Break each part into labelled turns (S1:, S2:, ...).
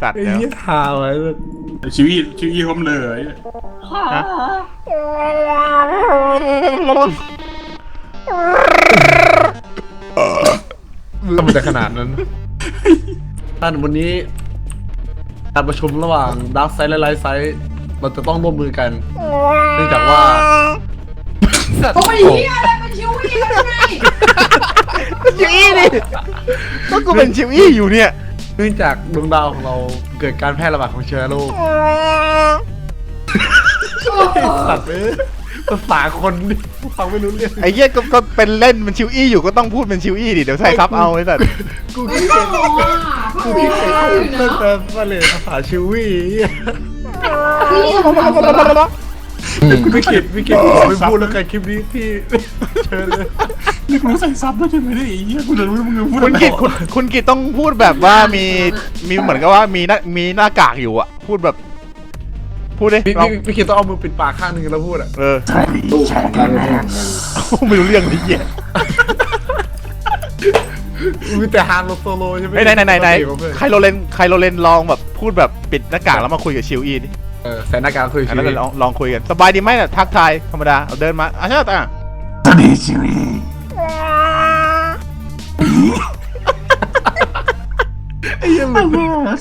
S1: สัตว์
S2: ไอ้
S1: เดี๋ยว
S2: ยี่ทาไว้
S3: ชีวิตผมเลย
S2: ทำไมจะขนาดนั้นท่านวันนี้การประชุมระหว่างดาร์กไซด์และไลท์ไซด์เราจะต้องร่วมมือกันเนื่องจากว่า
S4: โอ้ยเฮียอะไรมันชิวอี้กันไง
S1: ชิวอี้นี่ก็กูเป็นชิวอี้อยู่เนี่ย
S2: เนื่องจากดวงดาวของเราเกิดการแพร่ระบาดของเชื้อโรคสัตว์ภาษาคนนี่ฟังไม่รู้เรื่อง
S1: ไอ้เหี้ยก็เป็นเล่นเป็นชิวอี้อยู่ก็ต้องพูดเป็นชิวอี้ดิเดี๋ยวใส่ซับเอาไอ้สัตว์
S2: กู
S4: ไม่
S2: คิด
S4: ต้
S2: เอ
S4: อง
S2: ง
S4: อ่ะ
S2: กูคิดเองตั้งแต่มาเลยภาษาชิวี่ไม่คิดไม่พูดแล้วกันคลิปนี้พี่เชิญเลย
S3: นี่กูใส่ซับด้วยใช่ไหมเนี่ยไอ้เหี้ยกูจะรู้มึงพูด
S1: คุณกิตคุณกิตต้องพูดแบบว่ามีเหมือนกับว่ามีหน้ากากอยู่อะพูดแบบพูดดิลอง
S2: พี่คิดต้องเอามือปิดปากข้างนึงแล้วพูดอ่ะ
S3: ใช่ใช่
S1: ไม่รู้เรื่องดิเหี้ย
S2: มีแต่ฮานโซโลใช่ไหม
S1: ไหนใครโรเลนลองแบบพูดแบบปิดหน้ากากแล้วมาคุยกับชิวอี้ดิ
S2: ใส่หน้ากากคุย
S1: อันนั้นลองคุยกันสบายดีไหมเนี่ยทักทายธรรมดาเอาเดินมาใช่ไหม
S3: สวัสดีชีวิต
S2: ไอ้ยังมัน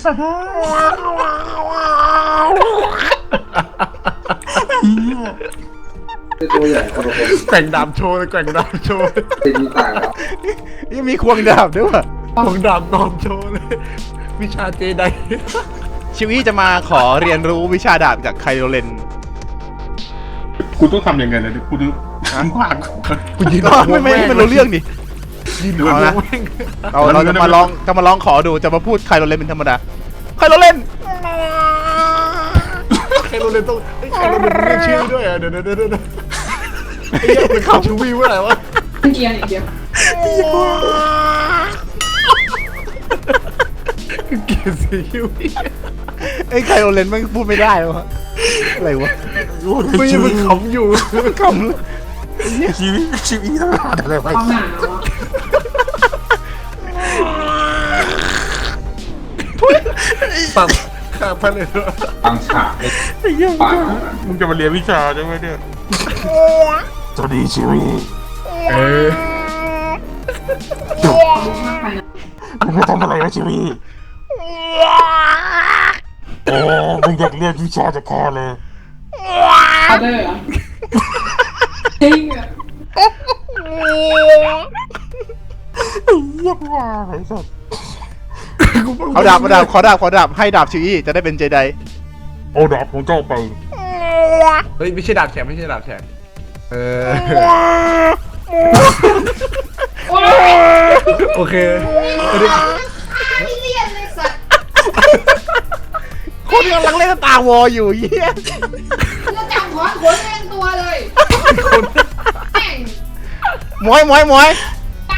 S5: ตัวใหญ่คนละคน
S2: แกว่งดาบโชว์เลยแกว่งดาบโชว์
S5: เป็นมีต่างครับ
S1: ยังมีควงดาบด้วยว่ะ
S2: ของดาบนอนโชว์เลยวิชาเจได
S1: ชิวอี้จะมาขอเรียนรู้วิชาดาบจากไคโรเลน
S3: กูต้องทำยังไงเลยกูต้องขวาง
S2: กูยืน
S1: ก็ไม่รู้เรื่องดิ
S2: ยืนดู
S1: เอานะ
S2: แม่ง
S1: เราจะมาลองขอดูจะมาพูดไคโรเลนเป็นธรรมดาไคโรเลน
S2: ใครโรเลนต้องใครโรเลนเรียกชื่อด้วยอ่ะเดี๋ยวไอ้เหี้ยเป็นข่าวชูวีว่าอะไรวะ
S4: เกียร์อีกเดียว
S2: เกียร์สีชูวี
S1: ไอ้ไคโรเลนมันพูดไม่ได้วะอะไรวะ
S2: ไม่ยังมันขำอยู่
S1: คำ
S3: ชีวิตต้องหาอะไรไป
S4: ความหนาว
S2: ตัดข้าพเลยด้วย
S5: บางฉากไม่ปาก
S3: มึงจะมาเรียนวิชาใช่ไหมเนี่ยสวัสดีชีวิต
S4: มากไปนะ
S3: มึงจะทำอะไรวะชีวิตมึงอยากเรียนวิชาจะแค่เลย
S4: เอาได้เหรอจริงอ่ะ
S1: เอาดาบขอดาบให้ดาบชิวอี้จะได้เป็นเจได
S3: โอ้ดาบของเจ้าไป
S2: เฮ้ยไม่ใช่ดาบแฉกไม่ใช่ดาบแฉกโอเค
S4: ไม่เรียนเลยสัตว์
S1: คนกำลังเล่นตาวออยู่เยี่ย
S4: จะจับถอนขนเองตัวเลยแม่ง
S1: มวย
S4: ไป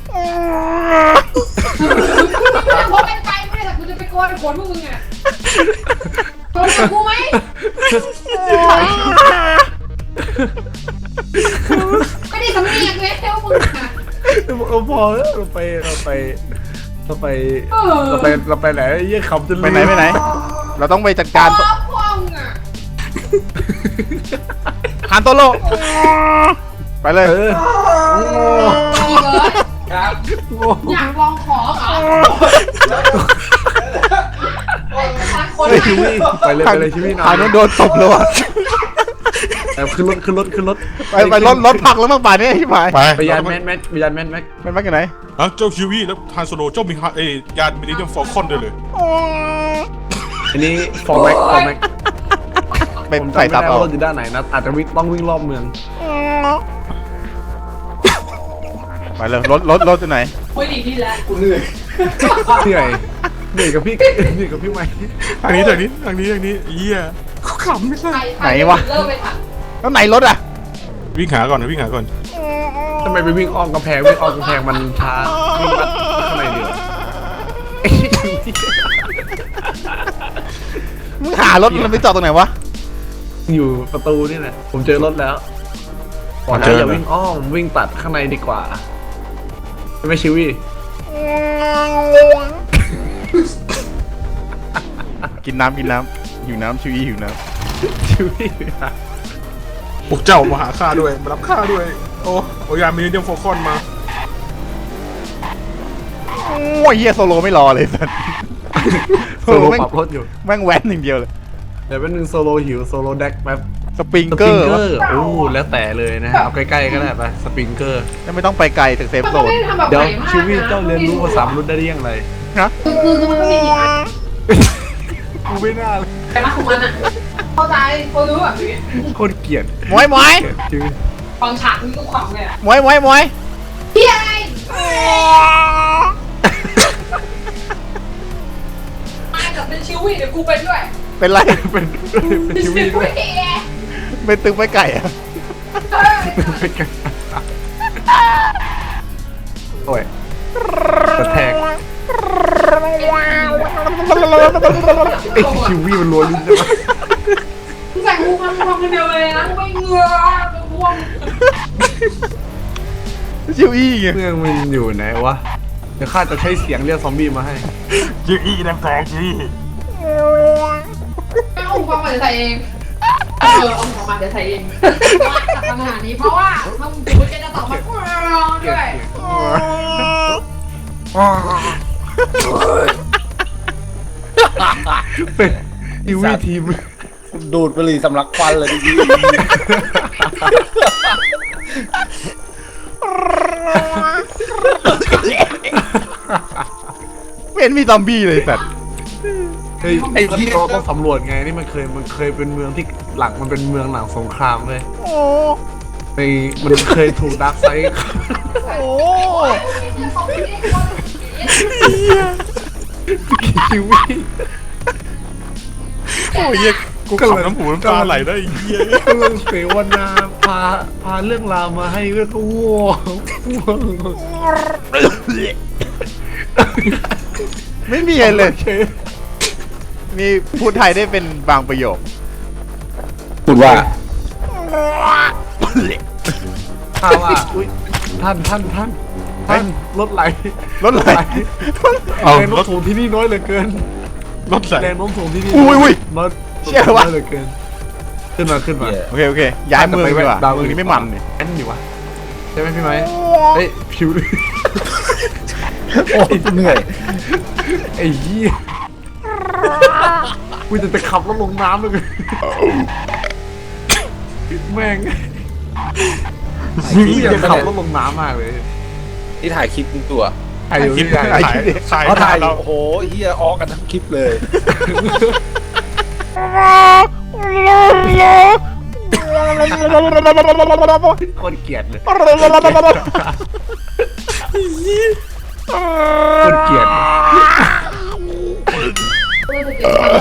S4: จะพบกันไปไม่ได้แต่กูจะไปโกนขนพวกมึงอ่ะโกนกับกูไหมไม่ได้สำเนียงเลยเท่ามึงอ่ะ
S2: พอแล้วเราไปไหนยี่ขำจน
S1: ไปไหนเราต้องไปจัดการ
S4: พ่อพ่อมึงอ่ะ
S1: ฮานโตโร่ไปเลย
S4: อีกเหรอ
S5: ครับ
S4: อยากลองขอเหรอคน
S1: เฮ้ย
S4: ไหน
S2: ไปเลยชีวิตนอ
S1: ฮาน นโดนตบแล้วว่ะ
S2: ขึ้นรถ
S1: ไปรถพักแล้วมั้งป่านนี้ใช่ไหม
S2: ไปยานแม็ก
S1: มันมาจากไหน
S3: เจ้าคิวีแล้วทานโซโลเจ้ามียานมินิเดียมฟอลคอนด้วยเลย
S2: อันนี้ฟอร์แม็ก
S1: เป็นใส่ซับเอา
S2: รถอยู่ด้านไหนนะอาจจะต้องวิ่งรอบเมือง
S1: ไปเลยรถอยู่ไหน
S4: โอ้ยดีดีแล้ว
S5: กูเหนื่อย
S2: เหนื่อยกับพี่ไหม
S3: ทางนี้เยี่ยกูขำไม่ใช่
S4: ใครเลิกไปค่ะ
S1: แล้วไหนรถอ่ะ
S3: วิ่งหาก่อน
S2: ทำไมไปวิ่งอ้อมกำแพงมันช้าวิ่งข้างในเดียว
S1: มึงหารถมันไปจอดตรงไหนวะ
S2: อยู่ประตูนี่แหละผมเจอรถแล้วบอกแล้วอย่าวิ่งอ้อมวิ่งตัดข้างในดีกว่าไม่ชิวี่
S1: กินน้ำหิวน้ำชิวอี้หิวน้
S2: ชีวิต
S3: พวกเจ้ามาหาข้าด้วยมารับข้าด้วยโอ้ยามีเดียมโฟคอนมา
S1: ำโอ้ยเฮียโซโลไม่รอเลยสัส
S2: โซโลปรับรถอยู่
S1: แม่งแว้นอย่างเดียวเลย
S2: เดี๋ยวเป็นหนึ่งโซโลหิวโซโลแดกแป๊บ
S1: สปริง
S2: ส
S1: เก
S2: ปริ
S1: อง ร์
S2: เก
S1: วะ
S2: อร์โอ้แล้วแต่เลยนะฮะเอาใกล้ๆก็ได้ไปสปริงเกอร์
S1: ไม่ต้องไปไกลถึงเซฟ
S4: มัน
S1: โซ
S4: ก็
S1: น
S4: ไม่ได้ทำแบบ
S2: เดี๋ยว
S4: ใหม่มาก
S2: ชีวิต
S4: นะ
S2: เจ้าเรียนรู้ภาษามนุษย์ได้ยังไง
S1: นะ
S4: คือมันไม่มีกี่อัน
S2: กูไม่น่าเลย
S4: แต่มาของมันอ่ะเข้าใจเขารู้แบบนี้
S2: โคตรเกลียด
S1: มวย
S2: จริง
S4: ฟังฉากนี้ก็ขำเลยอ่ะ
S1: มวย
S4: เฮียอะไรมากับเป็นชิวี่เดี๋ยวกูเป็นด้วย
S1: เป็นไร
S2: เป็นชีวิตด้วย
S1: เป็นตึงไปไก่อะ
S2: เป็นกันโอ้ยกระแทกไอ้ชีวิตมันรัวลิ้นใช่ไหม
S4: ใส่หูมันทำคนเดียวเลยนะไม่เงือรวม
S1: ชิวอี้ไง
S2: เมืองมันอยู่ไหนวะเดี๋ยวข้าจะใช้เสียงเรียกซอมบี้มาให้
S3: จีอีน้ำแตกจี
S4: ไม่เอาความมาเดี๋ยวใส่เองเอาความมาเดี๋ยวใส่เองว่าจากปัญหานี้เพราะว่าถ้ามึงพูดจะตอบมาด้วย
S2: เป็นชีวิตทีม
S6: ดูดบุหรี่สำลักควันเลยดิ
S1: ไม่เห็นมีซอมบี้เลยสัตว์
S2: เฮ้ยไอ้ที่เราต้องสำรวจไงนี่มันเคยเป็นเมืองที่หลังมันเป็นเมืองหลังสงครามเลย
S1: โอ้
S2: ในมันเคยถูกดาร์กไซด์
S1: โอ้
S2: ชีวิต
S1: โอ้ยเหี้ยกูขำน้ำหูน้ำตาไหลได้อีกเหี้ย
S2: กำลังเสวนาพาเรื่องราวมาให้เรื่องก็ว้าว
S1: ไม่มีอะไรเลย มีพูดไทยได้เป็นบางประโยค
S6: พูดว่า
S2: ถ้าว่าอุ้ยท่านรถไหล
S1: รถไหล
S2: แรงโน้มถ่วงที่นี่น้อยเหลือเกิน
S3: รถใส่
S2: แรงโน้มถ่วงที่นี่
S1: อุ้ย
S2: น้อย
S1: เชี่ยวะ
S2: น้อยเหลือเกินขึ้นมา
S1: โอเคย้ายเมืองดีกว่าเมืองนี้ไม่มันเนี่ย
S2: แอนอยู่วะใช่ไหมพี่ไม้เฮ้ยผิว
S6: โอ้ยเหนื่อย
S2: ไอ้เหี้ยกูจะขับรถลงน้ำเลยแม่งกูอยากขับรถลงน้ำมากเลย
S6: ที่ถ่ายคลิปตัว
S2: ถ่ายอยู่ที่ไหน
S3: ถ่าย
S6: เขาถ่ายอ
S3: เรา
S6: ยู่โอ้โหเฮียออกกันทั้งคลิปเลย
S2: คนเกลียดเลย
S1: โอ้
S2: คนเกลียด
S4: เพื่อจะเก็บความ